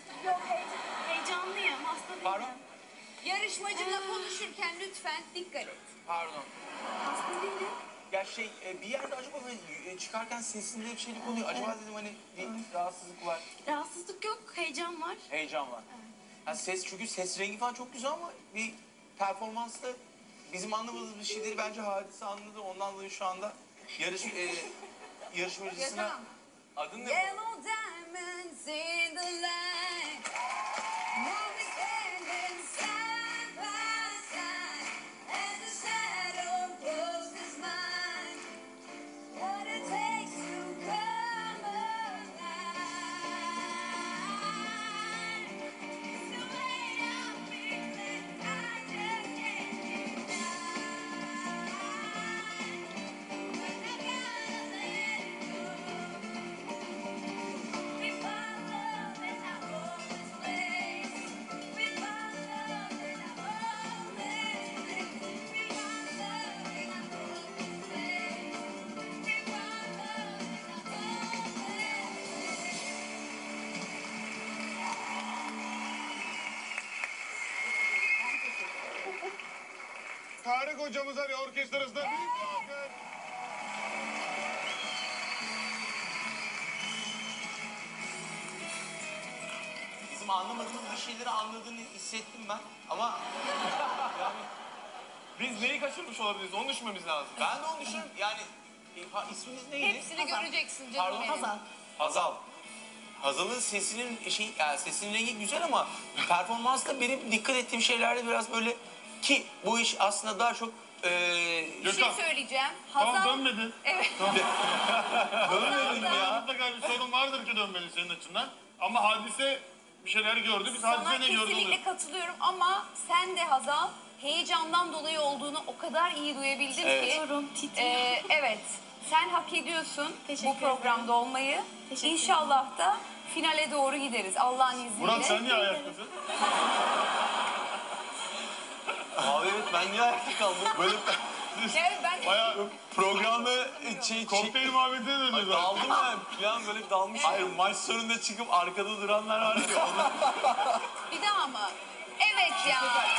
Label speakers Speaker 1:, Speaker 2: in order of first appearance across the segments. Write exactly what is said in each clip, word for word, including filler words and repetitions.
Speaker 1: Yok heyecan, heyecanlıyım, hasta değilim.
Speaker 2: Pardon?
Speaker 3: Yarışmacınla konuşurken lütfen dikkat et.
Speaker 2: Pardon.
Speaker 1: Hasta değilim.
Speaker 2: Ya şey e, bir yerde acaba böyle e, çıkarken sesinde bir şeylik oluyor. Acaba dedim hani bir rahatsızlık var,
Speaker 1: Rahatsızlık yok, heyecan var.
Speaker 2: heyecan var. Ya ses çünkü ses rengi falan çok güzel ama bir performansta bizim anlamadığımız bir şeyleri bence Hadise anladı. Ondan dolayı şu anda yarış e, yarışmacısına
Speaker 3: Ya tamam.
Speaker 2: adın ne?
Speaker 3: Yellow diamonds in the light. Now we standing side by side. And the shadow grows his mind. What it takes to come alive. It's the way I'm feeling. I just can't deny. But I gotta let it go. We found love in our hopeless place. We found love in our hopeless place. We found love in our hopeless place. We found love in our hopeless place.
Speaker 4: Tarık hocamıza ve orkestrasına büyük bir alkış.
Speaker 2: Bizim anlamadığımız bir şeyleri anladığını hissettim ben ama
Speaker 5: Biz neyi kaçırmış olabiliriz? Onu düşünmemiz lazım.
Speaker 2: ben de onu düşünüyorum. Yani e, ha, isminiz neydi?
Speaker 3: Hepsini göreceksin canım
Speaker 2: Pardon?
Speaker 3: benim.
Speaker 1: Hazal.
Speaker 2: Hazal. Hazal'ın sesinin şey, yani sesinin rengi güzel ama performansta benim dikkat ettiğim şeylerde biraz böyle ki bu iş aslında daha çok e,
Speaker 3: Bir şey
Speaker 4: Gökhan.
Speaker 3: söyleyeceğim.
Speaker 4: Tamam
Speaker 3: Hazal...
Speaker 4: dönmedin.
Speaker 3: Evet.
Speaker 2: dönmedim ya.
Speaker 4: Mutlaka bir sorun vardır ki dönmeli senin açından. Ama Hadise bir şeyler gördü. Biz
Speaker 3: Sana
Speaker 4: Hadise ne gördü?
Speaker 3: kesinlikle katılıyorum ama sen de Hazal heyecandan dolayı olduğunu o kadar iyi duyabildin
Speaker 2: Evet.
Speaker 3: ki.
Speaker 1: Titriyorum, titriyorum.
Speaker 3: Ee, evet. Sen hak ediyorsun
Speaker 1: Teşekkür
Speaker 3: bu programda olmayı.
Speaker 1: Teşekkür
Speaker 3: İnşallah da finale doğru gideriz Allah'ın izniyle.
Speaker 4: Murat sen niye ayaktasın?
Speaker 2: Abi evet ben niye ayakta kaldım? Böyle
Speaker 3: Evet, ben
Speaker 4: Bayağı
Speaker 2: programda şey, şey
Speaker 4: kokteyl muhabbetine döndü zaten.
Speaker 2: daldım ben falan böyle dalmış. Hayır maç sonunda çıkıp arkada duranlar var ya. Onlar...
Speaker 3: bir daha mı? Evet ya. Evet.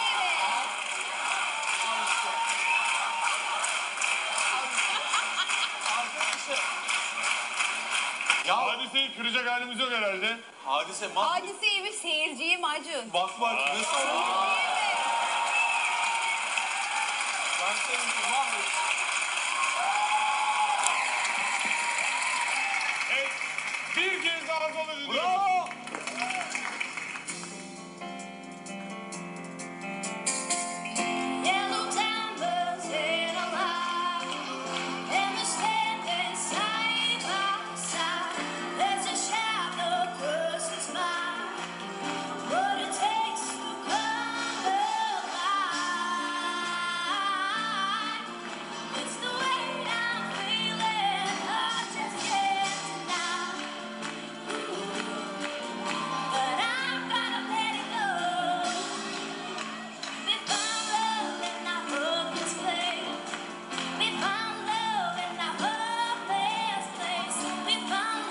Speaker 2: Arkadaşlar. Ya
Speaker 4: Hadiseyi kıracak halimiz yok herhalde.
Speaker 2: hadise mah...
Speaker 3: Hadiseyi bir seyirciyim Acun.
Speaker 2: Bak bak nasıl oldu? Ben seni mahvettim.
Speaker 4: Evet. Bir kez daha Hazal'ı diliyoruz.
Speaker 2: Bravo!